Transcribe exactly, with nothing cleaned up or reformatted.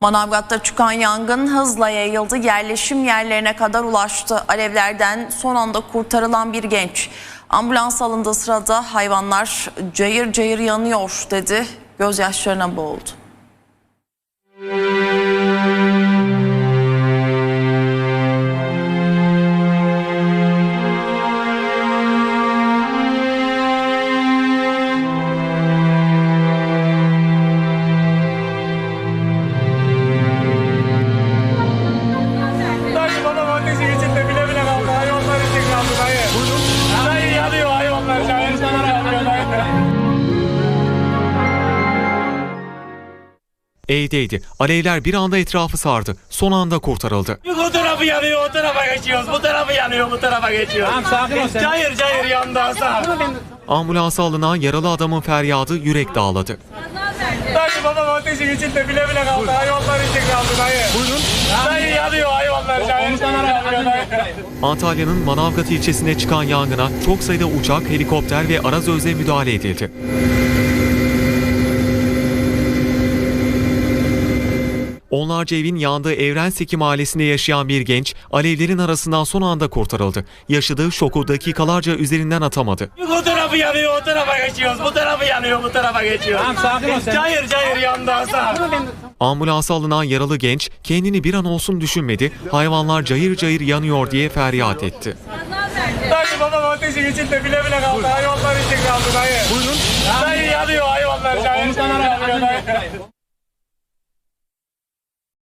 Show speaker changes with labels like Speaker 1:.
Speaker 1: Manavgat'ta çıkan yangın hızla yayıldı, yerleşim yerlerine kadar ulaştı. Alevlerden son anda kurtarılan bir genç ambulans alındığı sırada hayvanlar cayır cayır yanıyor dedi, gözyaşlarına boğuldu.
Speaker 2: Evdeydi. Alevler bir anda etrafı sardı. Son anda kurtarıldı.
Speaker 3: Bu tarafı yanıyor, o tarafa geçiyoruz. Bu tarafı yanıyor, bu tarafa geçiyoruz. Tamam, sakin ol sen. Cayır cayır yandı Hasan.
Speaker 2: Ambulansa alınan yaralı adamın feryadı yürek dağladı.
Speaker 3: Dayı babam ateşin içinde bile bile kaldı. Hayvanlar için kaldı dayı. Buyurun. Dayı yanıyor hayvanlar. Cayır cayır yanıyor dayı.
Speaker 2: Antalya'nın Manavgat ilçesine çıkan yangına çok sayıda uçak, helikopter ve arazözle müdahale edildi. Onlarca evin yandığı Evrenseki mahallesinde yaşayan bir genç alevlerin arasından son anda kurtarıldı. Yaşadığı şoku dakikalarca üzerinden atamadı.
Speaker 3: Bu tarafı yanıyor, o tarafa geçiyoruz. Bu tarafı yanıyor, bu tarafa geçiyoruz. Tamam, sakin ol sen. Cayır cayır yandı Hasan.
Speaker 2: Ambulansa alınan yaralı genç kendini bir an olsun düşünmedi, hayvanlar cayır cayır yanıyor diye feryat etti.
Speaker 3: Dayı babam ateşin içinde bile bile kaldı. Hayvanlar için kaldı dayı. Buyurun. Dayı yanıyor hayvanlar. Cayır cayır yanıyor dayı.